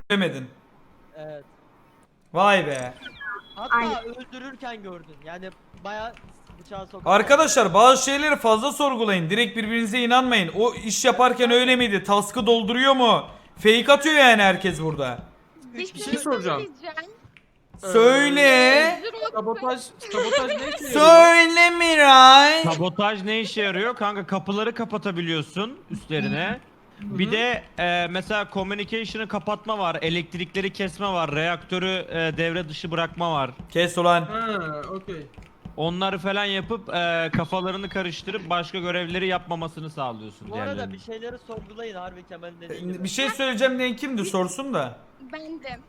demedin. Evet. Vay be. Hatta Aynen. öldürürken gördün. Yani bayağı bıçağı sokup. Arkadaşlar bazı şeyleri fazla sorgulayın. Direkt birbirinize inanmayın. O iş yaparken öyle miydi? Task'ı dolduruyor mu? Fake atıyor yani herkes burada. Bir Bir şey soracağım. söyleyeceğim. Söyle. Sabotaj ne işe yarıyor? Söyle Miray. Sabotaj ne işe yarıyor? Kanka kapıları kapatabiliyorsun üstlerine. Bir de mesela communication'ı kapatma var, elektrikleri kesme var, reaktörü devre dışı bırakma var. Kes ulan. Ha, okey. Onları falan yapıp kafalarını karıştırıp başka görevleri yapmamasını sağlıyorsun Bu arada diğerlerinin. bir şeyleri sorgulayın harbi Kemal'in dediği gibi. Bir şey söyleyeceğim diyen kimdi sorsun da. Bendim.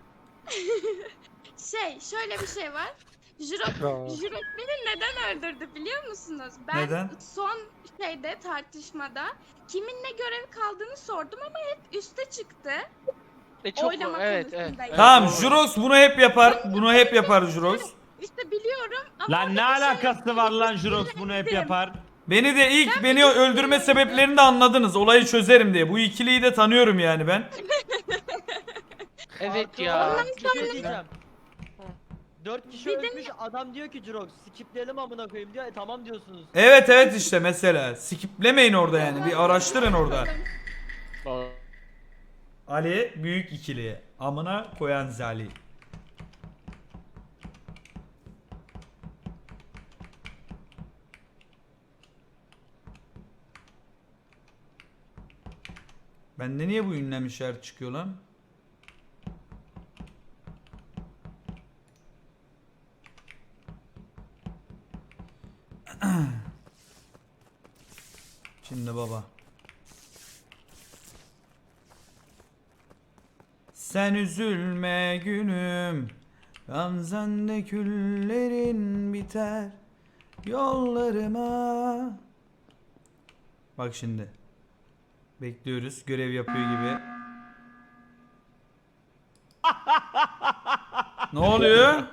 Şöyle bir şey var. Jurok beni neden öldürdü biliyor musunuz? Ben Neden? son tartışmada kimin ne görev kaldığını sordum ama hep üste çıktı. Çok Oylama evet konusundayım. Tamam Jurox bunu hep yapar. Bunu hep yapar Jurox. İşte biliyorum ama Lan ne orada bir şey alakası var lan Jurox bunu hep yapar. Beni de beni öldürme sebeplerini de anladınız. Olayı çözerim diye. Bu ikiliyi de tanıyorum yani ben. Evet ya. Bir şey diyeceğim. 4 kişi ölmüş adam diyor ki Jirox skipleyelim amına koyayım diyor. Tamam diyorsunuz. Evet işte mesela. Skiplemeyin orada yani. Bir araştırın orada. Ali büyük ikili. Amına koyan Zali. Bende niye bu ünlem işareti çıkıyor lan? Şimdi baba. Sen üzülme günüm, Gamzende küllerin biter yollarıma. Bak şimdi. Bekliyoruz. Görev yapıyor gibi. Ne oluyor?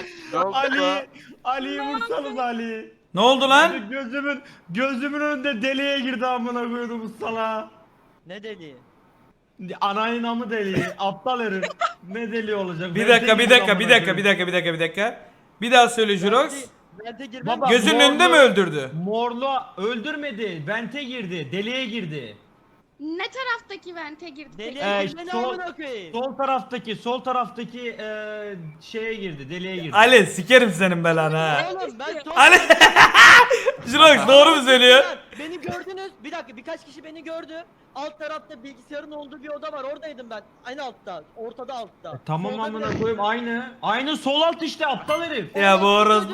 Ali'yi vursanız Ali. Ne oldu lan? Gözümün önünde deliğe girdi amına koydum bu sala. Ne dedi? Anayın amı deliği, aptal herif. Ne deliği olacak? Bir Ben dakika, bir deliyim dakika, amına bir dakika, koyayım. bir dakika, bir dakika, bir dakika. Bir daha söyle Jurox. Vente girmem. Baba, Gözünün önünde mi öldürdü? Morlu öldürmedi, vente girdi, deliğe girdi. ne taraftaki vente girdi peki? Deliye girme ne sol- amına koyayım. Sol taraftaki şeye girdi, deliğe girdi. Ali sikerim senin belanı ha. Oğlum ben son... Ali Jurox doğru mu söylüyor? Beni gördünüz. Bir dakika birkaç kişi beni gördü. Alt tarafta bilgisayarın olduğu bir oda var. Oradaydım ben. Aynı altta. Ortada altta. Tamam Solda amına bir- koyayım aynı. Aynı sol alt işte aptal herif. Ya bu orospu.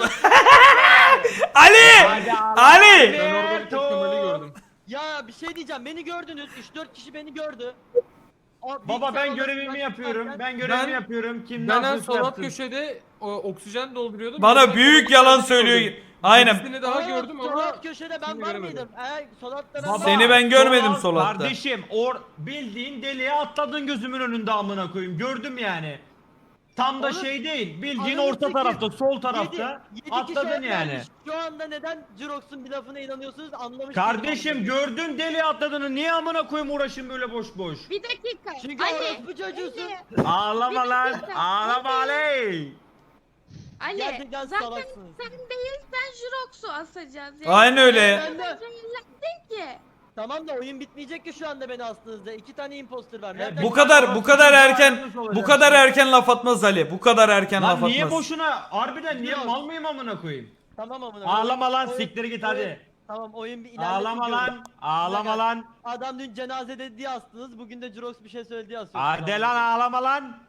Ali! Ali! Ben orada bir tek Kemal'i gördüm. Ya bir şey diyeceğim. Beni gördünüz. 3-4 kişi beni gördü. Baba ben Bilgisayar görevimi odasından yapıyorum. çıkarken- Ben görevimi Ben- yapıyorum. Kim ne Ben en yapıyorsa sol alt yapsın. köşede oksijen dolduruyordum. Bana Bir de büyük sol yalan alt söylüyor. gördüm. Aynen. İkisini daha gördüm Sol ama alt köşede ben şimdi var göremedim. mıydım? Eğer sol altta ben Baba, Seni ben görmedim sol sol altta. Kardeşim bildiğin deliğe atladın gözümün önünde amına koyayım. Gördüm yani. Tam da Oğlum, şey değil. Bildiğin ananı orta sikeyim. tarafta, sol tarafta. Yedi Atladın kişi yani. vermiş. Şu anda neden Jirox'un bir lafına inanıyorsunuz anlamış Kardeşim değilim. gördün deliğe atladığını niye amına koyayım uğraşın böyle boş boş. Bir dakika. Çünkü orospu çocuğusun. Ağlama Bir lan. dakika. Ağlama Ali. Ali Gerçekten zaten salaksınız. sen değilsen Jurox'u asacağız. Aynen öyle. Ben de- Zehirlendin ki. Tamam da oyun bitmeyecek ki şu anda beni astığınızda. 2 tane imposter var. Nereden Bu kadar erken laf atmaz Ali. Bu kadar erken laf Lan atmaz. niye boşuna? Harbiden niye Yok. mal mıyım amına koyayım? Tamam amına. Ağlama lan Oyun- siktir git oyun- hadi. Tamam oyun bir ilerlesin Ağlama diyorum. lan. Ağlama lan. Adam dün cenazede diye astınız. Bugün de Jirox bir şey söyledi diye asıyorsunuz. Hadi lan ağlama lan.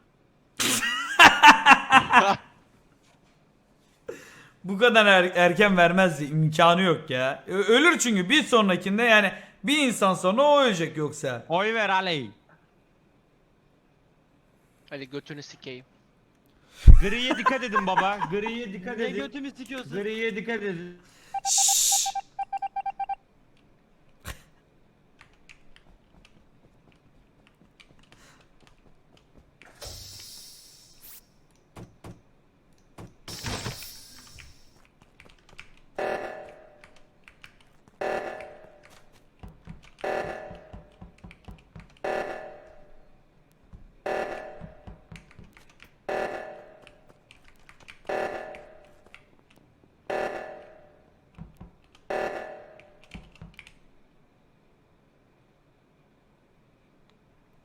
Bu kadar erken vermezdi. İmkanı yok ya. Ölür çünkü bir sonrakinde yani bir insan sonra o ölecek yoksa. Oy ver Ali. Hadi götünü sikeyim. Griye dikkat edin baba. Griye dikkat Ne edin. götümü sikiyorsun? Griye dikkat edin.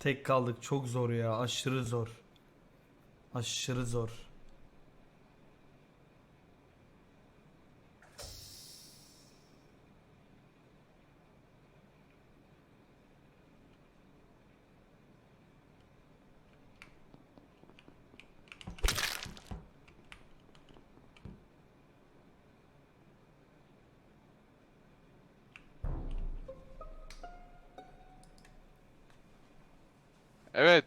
Tek kaldık. Çok zor ya. Aşırı zor. Aşırı zor. Evet.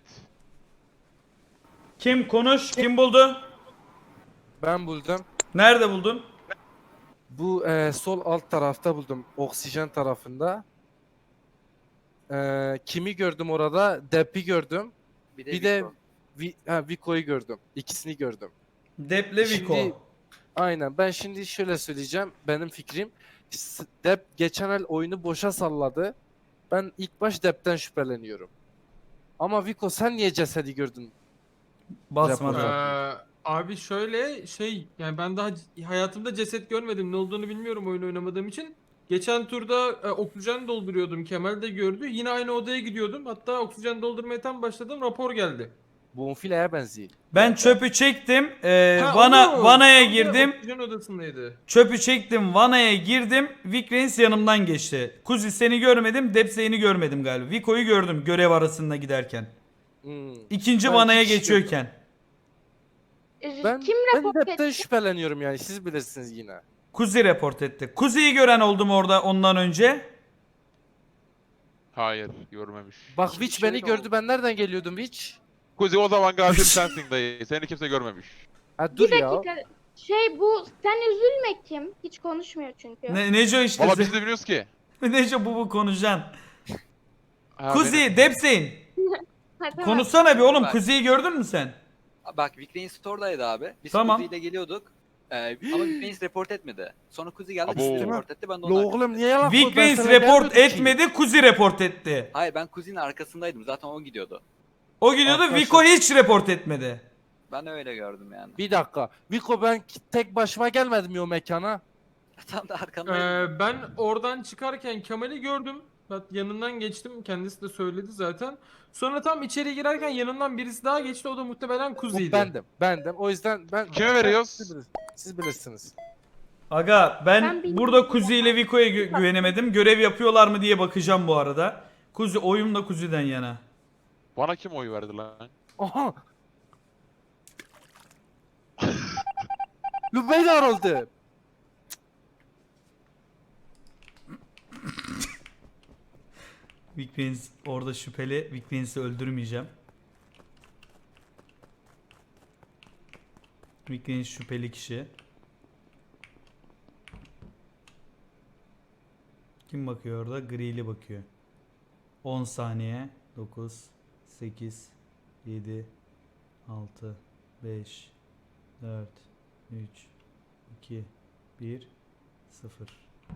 Kim konuş? Kim buldu? Ben buldum. Nerede buldun? Bu sol alt tarafta buldum. Oksijen tarafında. Kimi gördüm orada? Dep'i gördüm. Bir de Vico'yu gördüm. İkisini gördüm. Deple Vico. Şimdi- Aynen. Ben şimdi şöyle söyleyeceğim. Benim fikrim. Dep geçen el oyunu boşa salladı. Ben ilk baş Dep'ten şüpheleniyorum. Ama Vico sen niye cesedi gördün? Basmadı. Rapor. Abi şöyle yani ben daha hayatımda ceset görmedim. Ne olduğunu bilmiyorum oyun oynamadığım için. Geçen turda oksijen dolduruyordum. Kemal de gördü. Yine aynı odaya gidiyordum. Hatta oksijen doldurmaya tam başladım. Rapor geldi. Bonfile'ye benziyor. Ben çöpü çektim. Ha, Vanaya tam da girdim. Oksijen odasındaydı. Çöpü çektim. Vanaya girdim. Vikrens yanımdan geçti. Kuzi seni görmedim. Depseyini görmedim galiba. Vico'yu gördüm görev arasında giderken. İkinci Ben vanaya iki kişi geçiyorken. Ben, Kim ben rapor Dep'ten etti? şüpheleniyorum yani. Siz bilirsiniz yine. Kuzi report etti. Kuzi'yi gören oldu mu orada ondan önce? Hayır, görmemiş. Bak Şimdi Witch beni şöyle gördü. Ben nereden geliyordum Witch? Kuzi o zaman katil sensin dayı. Seni kimse görmemiş. Ha dur Bir ya. dakika. Bu sen üzülme kim? Hiç konuşmuyor çünkü. Neco işte. Valla biz de biliyoruz ki. Neco bu konuşacaksın. Ha, Kuzi, Depseyin. Ha, tamam. Konuşsana bir oğlum. Bak. Kuzi'yi gördün mü sen? Bak Vikrane Store'daydı abi. Biz Tamam. Kuzi ile geliyorduk. Ama Vikrane report etmedi. Sonra Kuzi geldi Abo. Kuzi report etti. Ben de La onun oğlum arkasındaydım. niye yalan Vikrens report etmedi. Kuzi report etti. Hayır ben Kuzi'nin arkasındaydım. Zaten o gidiyordu. O gidiyordu. Arkadaşlar- Vico hiç report etmedi. Ben öyle gördüm yani. Bir dakika. Vico ben tek başıma gelmedim ya o mekana. Tam da arkandaydım. Ben oradan çıkarken Kemal'i gördüm. Ben yanından geçtim. Kendisi de söyledi zaten. Sonra tam içeri girerken yanından birisi daha geçti. O da muhtemelen O Kuzi'ydi. bendim. O yüzden ben... Kime veriyoruz? Siz bilirsiniz. Aga ben Ben bilmiyorum. burada Kuzi ile Vico'ya güvenemedim. Görev yapıyorlar mı diye bakacağım bu arada. Kuzi oyum da Kuzi'den yana. Bana kim oy verdi lan? Aha! Lübeyler oldu. Vikrens orada şüpheli. Vikrens'i öldürmeyeceğim. Vikrens şüpheli kişi. Kim bakıyor orada? Grili bakıyor. 10 saniye. 9, 8, 7, 6, 5, 4, 3, 2, 1, 0.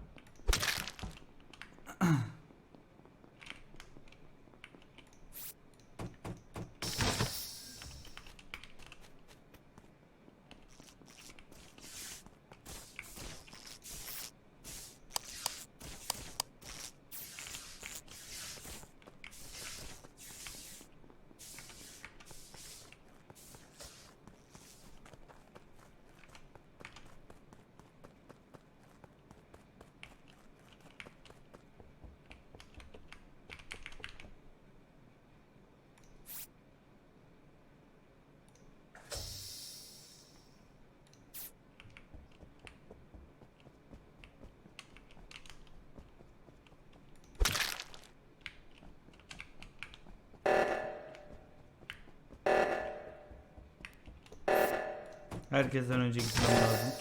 Herkesten önce gitmem lazım.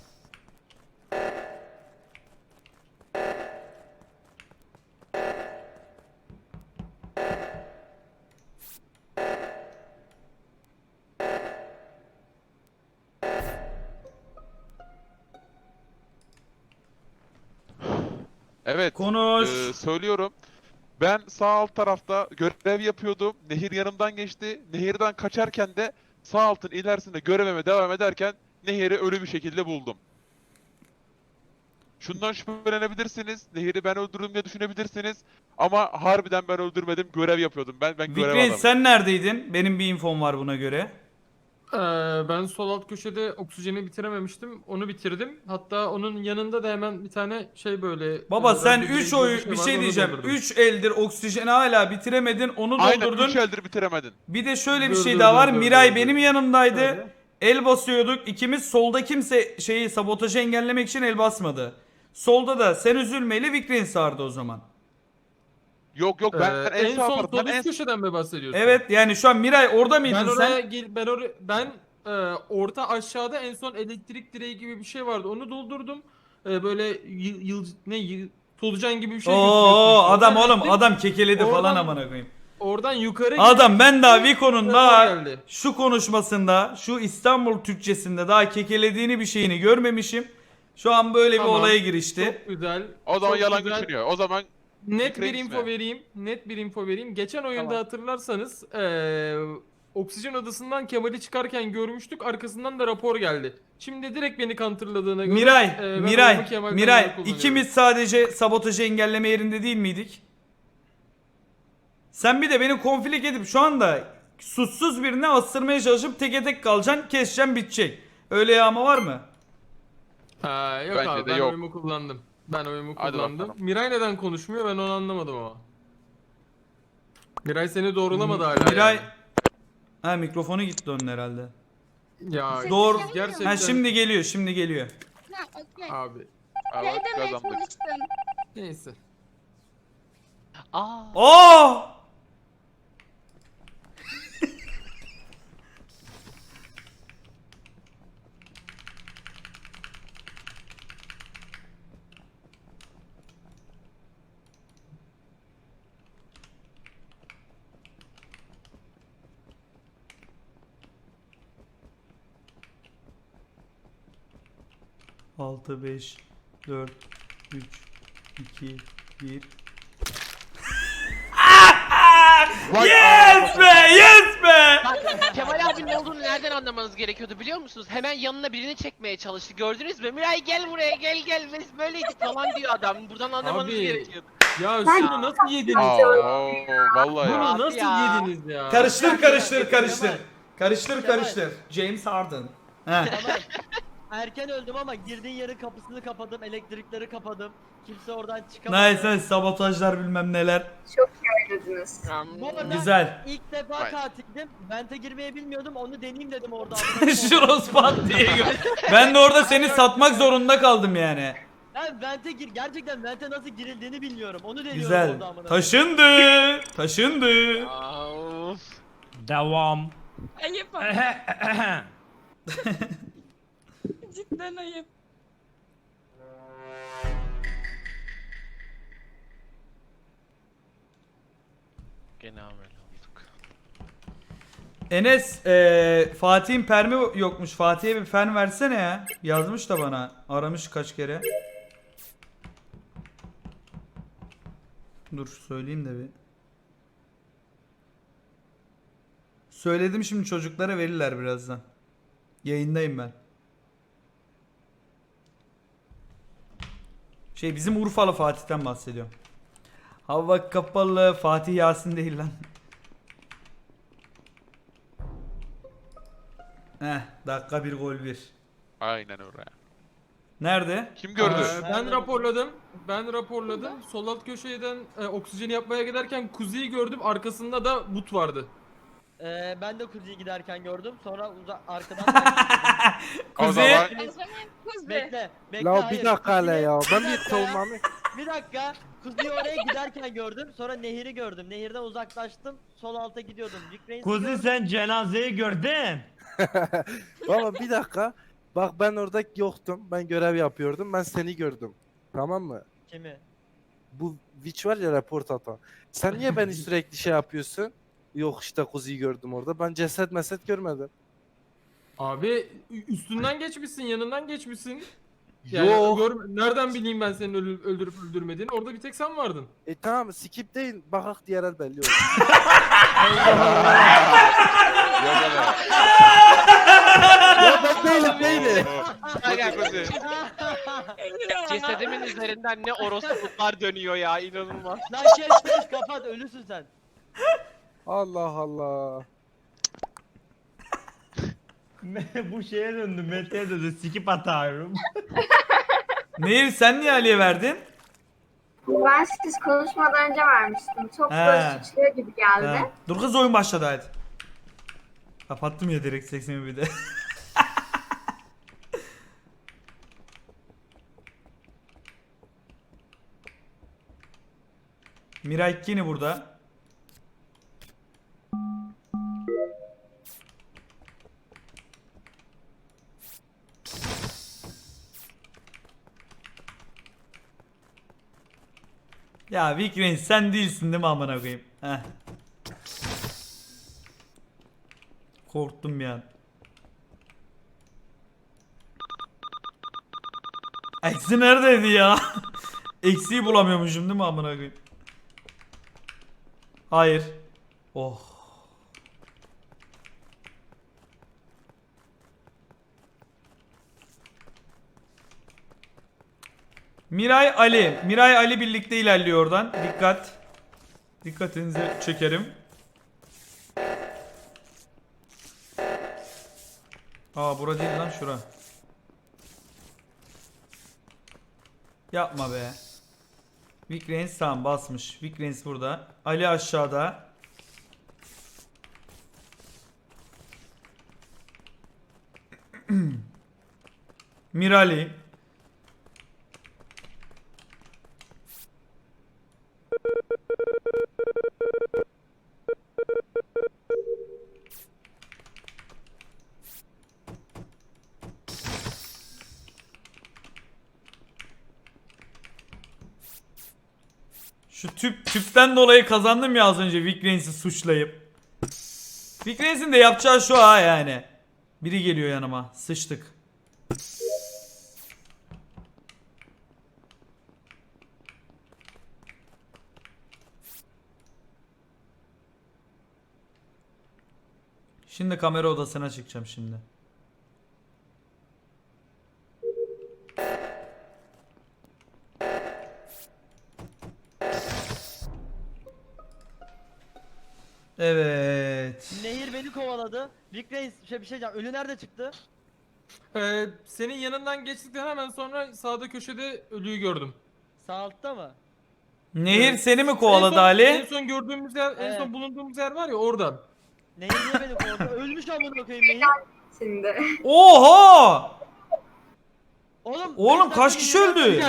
Evet. Konuş. Söylüyorum. Ben sağ alt tarafta görev yapıyordum. Nehir yanımdan geçti. Nehirden kaçarken de sağ altın ilerisinde görevime devam ederken Nehir'i ölü bir şekilde buldum. Şundan şüphelenebilirsiniz. Nehir'i ben öldürdüm diye düşünebilirsiniz. Ama harbiden ben öldürmedim. Görev yapıyordum. Ben görev Vikrens adamıyım. sen neredeydin? Benim bir infom var buna göre. Ben sol alt köşede oksijeni bitirememiştim. Onu bitirdim. Hatta onun yanında da hemen bir tane şey böyle... Baba sen radyo 3 gibi oy şey bir vardı, şey onu diyeceğim. doldurdum. 3 eldir oksijeni hala bitiremedin. Onu Aynen doldurdun. 3 eldir bitiremedin. Bir de şöyle bir Dur, şey dur, daha dur, var. dur, Miray dur, benim dur. yanımdaydı. Şöyle. El basıyorduk. İkimiz solda kimse şeyi sabotajı engellemek için el basmadı. Solda da sen üzülmeyle Vikrens vardı o zaman. Yok yok ben en, en sağ son taraftan sol en üst köşeden mi bahsediyorsun? Evet yani şu an Miray orada mıydın Ben sen? oraya orta aşağıda en son elektrik direği gibi bir şey vardı. Onu doldurdum. Böyle solucan gibi bir şey götürüyorsun Oo işte. adam Oradan oğlum gittim. adam kekeledi falan Oradan- amına koyayım. Oradan yukarı Adam ben daha gittim, Vico'nun rapor daha geldi. şu konuşmasında, şu İstanbul Türkçesinde daha kekelediğini bir şeyini görmemişim. Şu an böyle bir Tamam, olaya girişti. Çok güzel. O zaman çok yalan güzel. düşünüyor. O zaman Net bir Vikrens info mi? vereyim. Net bir info vereyim. Geçen oyunda Tamam. hatırlarsanız oksijen odasından Kemal'i çıkarken görmüştük. Arkasından da rapor geldi. Şimdi direkt beni counterladığına göre Miray, ben oyumu Miray, Kemal'den yana Miray kullanıyorum. ikimiz sadece sabotajı engelleme yerinde değil miydik? Sen bir de beni konflik edip şu anda suçsuz birine astırmaya çalışıp teke tek kalacaksın, keseceksin, bitecek. Öyle yağma var mı? Ha, yok Bence abi de ben yok. oyumu kullandım. Ben oyumu Hadi kullandım. bakalım. Miray neden konuşmuyor ben onu anlamadım ama. Miray seni doğrulamadı hala Miray... yani. Ha mikrofonu gitti onun herhalde. Ya Doğru. gerçekten. Ha şimdi geliyor, şimdi geliyor. Ha, okey. Abi Ne evet, demeye kazandık. çalıştın? neyse. Aa. Oo! Altı, 5, 4, 3, 2, 1. Yes be! Yes be! Bak Kemal abinin ne olduğunu nereden anlamanız gerekiyordu biliyor musunuz? Hemen yanına birini çekmeye çalıştı. Gördünüz mü? Miray gel buraya gel. Biz böyleydik falan diyor adam. Buradan anlamanız Abi, gerekiyordu. Ya şunu nasıl yediniz? Aa, oo, vallahi Bunu ya. Abi nasıl ya. yediniz ya? Karıştır karıştır Kemal. karıştır. Karıştır Kemal. karıştır. James Harden. Heh. Tamam. Erken öldüm ama girdiğin yerin kapısını kapadım, elektrikleri kapadım. Kimse oradan çıkamadı. Nice nice sabotajlar bilmem neler. Bu arada Güzel. ilk defa Vay. katildim. Vente girmeyi bilmiyordum. Onu deneyeyim dedim orada. Şuros pat diye ben de orada seni satmak zorunda kaldım yani. Ben Vente gerçekten Vente nasıl girildiğini bilmiyorum. Onu deniyorum Güzel. orada amına. Taşındı. Taşındı. Aa, of. Devam. Ayıp ama. Cidden ayıp. Gene amel olduk. Enes Fatih'in permi yokmuş. Fatih'e bir fen versene ya. Yazmış da bana. Aramış kaç kere. Dur söyleyeyim de bir. Söyledim şimdi çocuklara verirler birazdan. Yayındayım ben. Bizim Urfalı Fatih'ten bahsediyorum. Hava kapalı Fatih Yasin değil lan. Dakika 1 gol 1. Aynen öyle. Nerede? Kim gördü? Ben raporladım. Sol alt köşeden oksijeni yapmaya giderken Kuzi'yi gördüm. Arkasında da but vardı. Ben de Kuzi'yi giderken gördüm. Sonra arkadan... O Kuzey. zaman O zaman Kuzey. bekle. La hayır. bir dakika hele Kuzi'yi- ya. Ben bir bir dakika savunmamı... Bir dakika. Kuzi'yi oraya giderken gördüm. Sonra Nehir'i gördüm. Nehirden uzaklaştım. Sol alta gidiyordum. Vikrens'i Kuzi gördüm. sen cenazeyi gördün. Baba bir dakika. Bak ben orada yoktum. Ben görev yapıyordum. Ben seni gördüm. Tamam mı? Kimi? Bu Witch var ya report atan. Sen niye beni sürekli şey yapıyorsun? Yok işte Kuzi'yi gördüm orada. Ben ceset meset görmedim. Abi üstünden geçmişsin, yanından geçmişsin. Yani Yok. nereden bileyim ben senin öldürüp öldürmediğini? Orada bir tek sen vardın. Tamam skip değil. Bakak diğer el belli olur. yok öyle. Ya ben değilim değilim. Kuzi, Kuzi. Cesedimin üzerinden ne orospuluklar dönüyor ya inanılmaz. Lan kapat ölüsün sen. Allah Allah. Bu şeye döndü, Mete'ye döndü. Sikip atarım. Nehir sen niye Ali'ye verdin? Ben siz konuşmadan önce vermiştim. Çok He. böyle suçluyor gibi geldi. Ha. Dur kız oyun başladı hadi. Kapattım ya direkt 80'i bir de. Miray Kini burada. Ya Vic Reigns sen değilsin değil mi amına koyayım? Heh. Korktum bir an. Eksi neredeydi ya? Eksiği bulamıyormuşum değil mi amına koyayım? Hayır. Oh. Miray Ali. Miray Ali birlikte ilerliyor oradan. Dikkat. Dikkatinizi çekerim. Aa bura değil lan şura. Yapma be. Vic Reigns tamam basmış. Vic Reigns burada. Ali aşağıda. Mirali. Şu tüpten dolayı kazandım ya az önce Vic Reigns'i suçlayıp. Vic Reigns'in de yapacağı şu ha yani. Biri geliyor yanıma. Sıçtık. Şimdi kamera odasına çıkacağım şimdi. Evet. Nehir beni kovaladı. Vic Reis bir şey diyeceğim. Ölü nerede çıktı? Senin yanından geçtikten hemen sonra sağda köşede ölüyü gördüm. Sağ altta mı? Nehir seni mi kovaladı En Ali? son gördüğümüz yer, en Evet. son bulunduğumuz yer var ya oradan. Nehir niye beni kovaladı? Ölmüş amına koyayım Nehir. Şimdi. Oha! Oğlum, Oğlum, beş kaç dakika kişi yürüyen- öldü?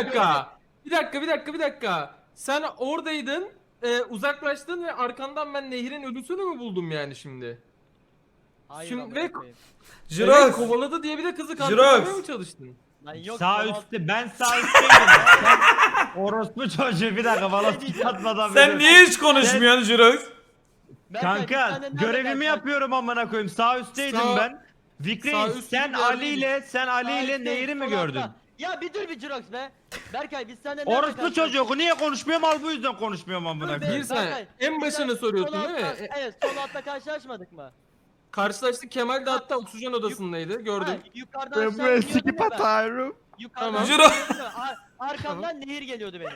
Bir dakika. Sen oradaydın, uzaklaştın ve arkandan ben Nehir'in ölüsünü mü buldum yani şimdi? Hayır Şimdi amına ve- koyayım. Evet, Jirox. kovaladı diye bir de kızı Jirox. kandırmaya mı çalıştın? Lan yok. Sağ kovala- üstte, ben sağ üstteydim. Sen orospu çocuğu bir dakika bana sikip atmadan Sen beni- niye hiç konuşmuyorsun Jirox? Berkay, biz Kanka senden nerede görevimi karşılaştık? yapıyorum amına koyayım. Sağ üstteydim Sağ- ben. Vic sağ Reis, üst sen gibi Ali yerdeyim. ile Sağ üstte, Nehir'i mi sol gördün? altta. Ya bir dur bir Jirox be. Berkay biz senden nerede Orospu karşılaştık? çocuğu niye konuşmuyorum al bu yüzden konuşmuyorum amına Dur be, koyayım. Bir saniye. Berkay, En biz başını sen- soruyorsun sol değil mi? altta- Evet sol altta karşılaşmadık mı? Karşılaştık, Kemal de hatta oksijen odasındaydı, gördüm. Ha, yukarıdan aşağı iniyordum ya ben. atarım. Yukarıdan Tamam. aşağı iniyordum. Arkamdan nehir geliyordu benim.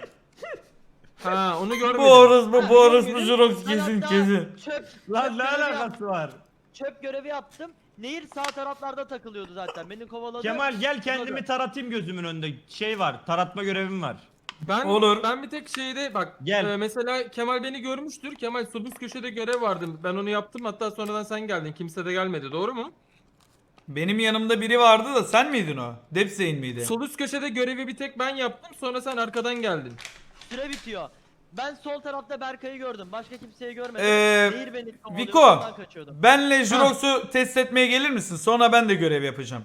Ha, onu görmedim. Bu orospu görmedim. Jirox Ben kesin hatta kesin. Lan ne görevi alakası var? Çöp görevi yaptım. Nehir sağ taraflarda takılıyordu zaten. Beni kovaladı. Kemal gel kendimi taratayım gözümün önünde. Şey var, taratma görevim var. Olur. Ben bir tek şeyde bak, Gel. mesela Kemal beni görmüştür. Kemal sol üst köşede görev vardı. Ben onu yaptım, hatta sonradan sen geldin. Kimse de gelmedi, doğru mu? Benim yanımda biri vardı da sen miydin o? Depseyin miydi? Sol üst köşede görevi bir tek ben yaptım. Sonra sen arkadan geldin. Süre bitiyor. Ben sol tarafta Berkay'ı gördüm. Başka kimseyi görmedim. Ee, Nehir beni kovalıyordu. Viko, ondan kaçıyordum. benle Jirox'u test etmeye gelir misin? Sonra ben de görev yapacağım.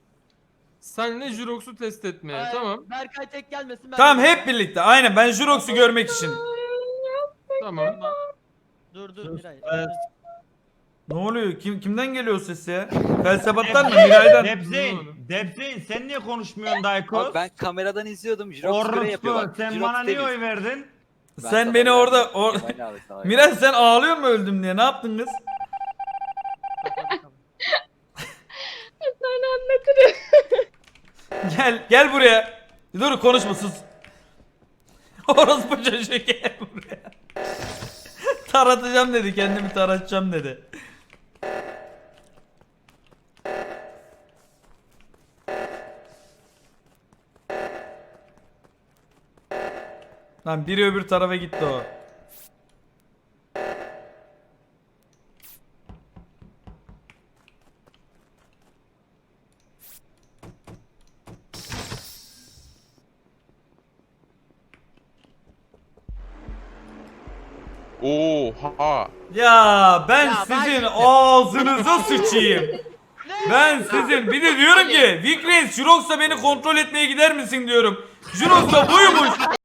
Senle Jirox'u test etmeye, Ay, tamam. Berkay tek gelmesin. Ben Tamam de- hep birlikte. Aynen ben Jirox'u görmek için. Tamam. Dur Miray. Ne oluyor? Kimden geliyor ses ya? Felsefattan mı? Miray'dan. Debzeyn sen niye konuşmuyorsun Dayko? Abi ben kameradan izliyordum. Jirox görev yapıyor Orospu bak. sen Jirox bana niye temiz. oy verdin? Ben Sen sana beni oy orada... vermedim. Kemal abi sana oy Miray sen ağlıyor mu öldüm diye? Ne yaptın kız? Sonra anlatırım. Gel buraya. Dur konuşma sus. Orospu çocuğu gel buraya. Taratacağım dedi, kendimi taratacağım dedi. Lan biri öbür tarafa gitti o. Oha. Ya ben Ya ben sizin şimdi- ağzınıza sıçayım. Ben sizin bir de diyorum ki Vikrens Jurox'la beni kontrol etmeye gider misin diyorum. Jurox da buymuş.